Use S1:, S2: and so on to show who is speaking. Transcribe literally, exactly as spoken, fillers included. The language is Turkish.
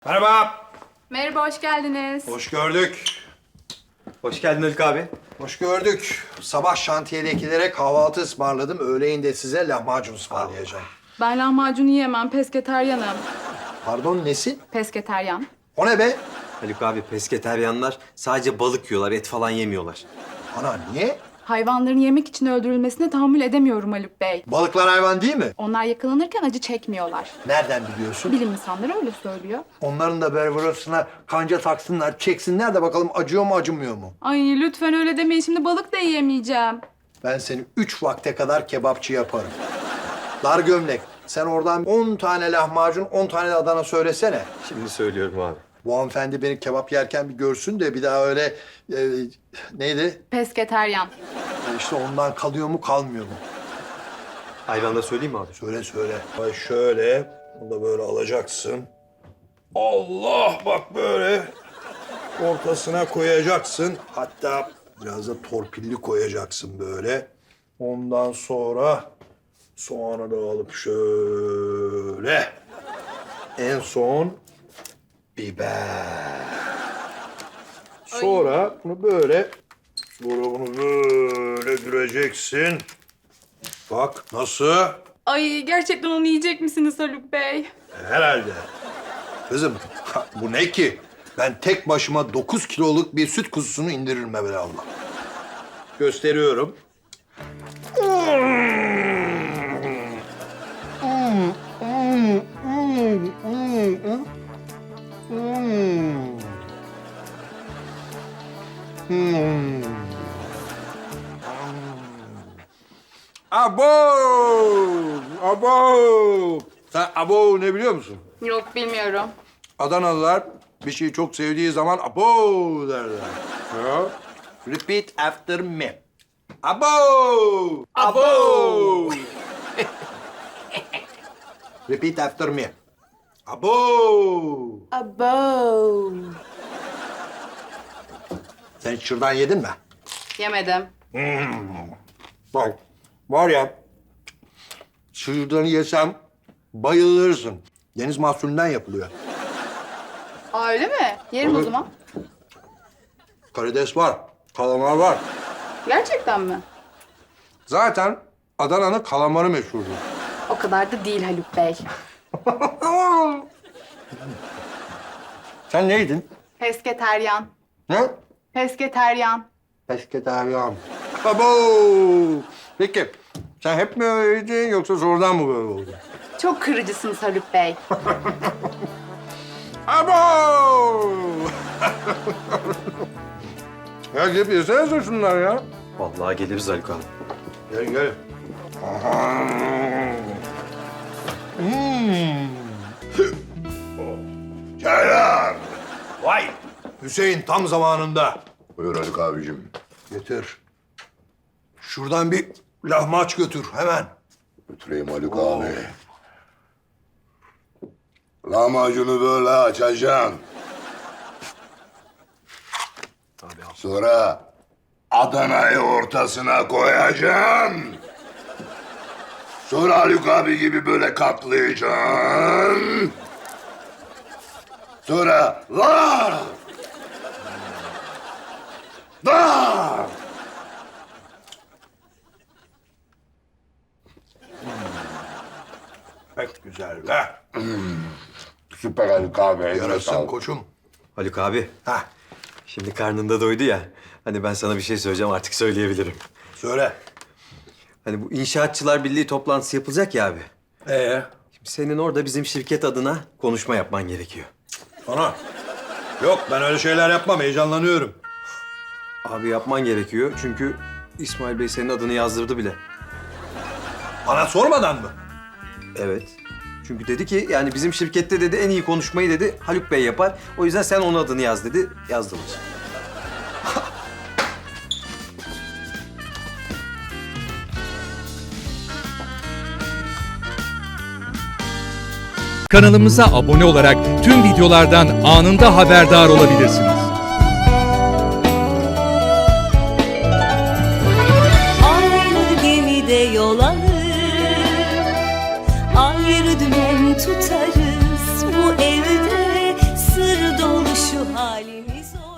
S1: Merhaba.
S2: Merhaba, hoş geldiniz.
S1: Hoş gördük.
S3: Hoş geldin Haluk abi.
S1: Hoş gördük. Sabah şantiyedekilere kahvaltı ısmarladım. Öğleyin de size lahmacun ısmarlayacağım.
S2: Ben lahmacun yiyemem, pesketeryanım.
S1: Pardon nesin?
S2: Pesketeryan.
S1: O ne be?
S3: Haluk abi pesketeryanlar sadece balık yiyorlar, et falan yemiyorlar.
S1: Ana niye?
S2: Hayvanların yemek için öldürülmesine tahammül edemiyorum Haluk Bey.
S1: Balıklar hayvan değil mi?
S2: Onlar yakalanırken acı çekmiyorlar.
S1: Nereden biliyorsun?
S2: Bilim insanları öyle söylüyor.
S1: Onların da böyle burasına kanca taksınlar, çeksinler de bakalım acıyor mu acımıyor mu?
S2: Ay lütfen öyle demeyin, şimdi balık da yiyemeyeceğim.
S1: Ben seni üç vakte kadar kebapçı yaparım. Dar gömlek. Sen oradan on tane lahmacun, on tane de Adana söylesene.
S3: Şimdi söylüyorum abi.
S1: Bu hanımefendi beni kebap yerken bir görsün de bir daha öyle... E, neydi?
S2: Pesketeryan.
S1: İşte ondan kalıyor mu kalmıyor mu?
S3: Ayran da söyleyeyim mi abi?
S1: Söyle söyle. Ay şöyle, bunu da böyle alacaksın. Allah bak böyle ortasına koyacaksın. Hatta biraz da torpilli koyacaksın böyle. Ondan sonra soğanı da alıp şöyle. En son biber. Sonra bunu böyle, sonra bunu böyle düreceksin. Bak nasıl?
S2: Ay gerçekten onu yiyecek misiniz Haluk Bey?
S1: Herhalde. Kızım bu ne ki? Ben tek başıma dokuz kiloluk bir süt kuzusunu indiririm evvelallah. Gösteriyorum. Abo! Abo! Sen abo ne biliyor musun?
S2: Yok bilmiyorum.
S1: Adanalılar bir şeyi çok sevdiği zaman abo derler. Ya. Repeat after me. Abo! Abo! Repeat after me. Abo!
S2: Abo.
S1: Sen hiç şırdan yedin mi?
S2: Yemedim.
S1: Bak, var ya, şırdanı yesem bayılırsın. Deniz mahsulünden yapılıyor.
S2: Aa, öyle mi? Yerim o
S1: Olur.
S2: zaman.
S1: Karides var, kalamar var.
S2: Gerçekten mi?
S1: Zaten Adana'nın kalamarı meşhurdur.
S2: O kadar da değil Haluk Bey.
S1: Sen neydin?
S2: Pesketeryan.
S1: Ne?
S2: Pesketeryan.
S1: Pesketeryan. Abo! Peki, sen hep mi öyleydin yoksa sonradan mı böyle oldu?
S2: Çok kırıcısınız Haluk Bey.
S1: Abo! Ya gelip yesene şunlar ya.
S3: Vallahi geliriz Haluk abi.
S1: Gel gel. Hmm. Selam. Vay. Hüseyin tam zamanında.
S4: Buyur Haluk abicim.
S1: Getir. Şuradan bir lahmaç götür hemen.
S4: Götüreyim Haluk abi. Lahmacunu böyle açacaksın. Sonra Adana'yı ortasına koyacaksın. Sonra Haluk abi gibi böyle katlayacaksın. Sonra la! Da!
S1: Pek güzel be.
S4: Süper Haluk abi. eline
S1: Yarasın
S4: sağlık.
S1: koçum.
S3: Haluk abi,
S1: Hah,
S3: şimdi karnında doydu ya. Hani ben sana bir şey söyleyeceğim, artık söyleyebilirim.
S1: söyle.
S3: Hani bu İnşaatçılar Birliği toplantısı yapılacak ya abi.
S1: Ee?
S3: Şimdi senin orada bizim şirket adına konuşma yapman gerekiyor.
S1: Ana. Yok ben öyle şeyler yapmam, heyecanlanıyorum.
S3: Abi yapman gerekiyor çünkü İsmail Bey senin adını yazdırdı bile.
S1: Bana sormadan mı?
S3: Evet. Çünkü dedi ki yani bizim şirkette dedi en iyi konuşmayı dedi Haluk Bey yapar. O yüzden sen onun adını yaz dedi. Yazdılar.
S5: Kanalımıza abone olarak tüm videolardan anında haberdar olabilirsiniz.
S6: Aynı gemide yol alır, ayrı dümen tutarız bu evde. halimiz o.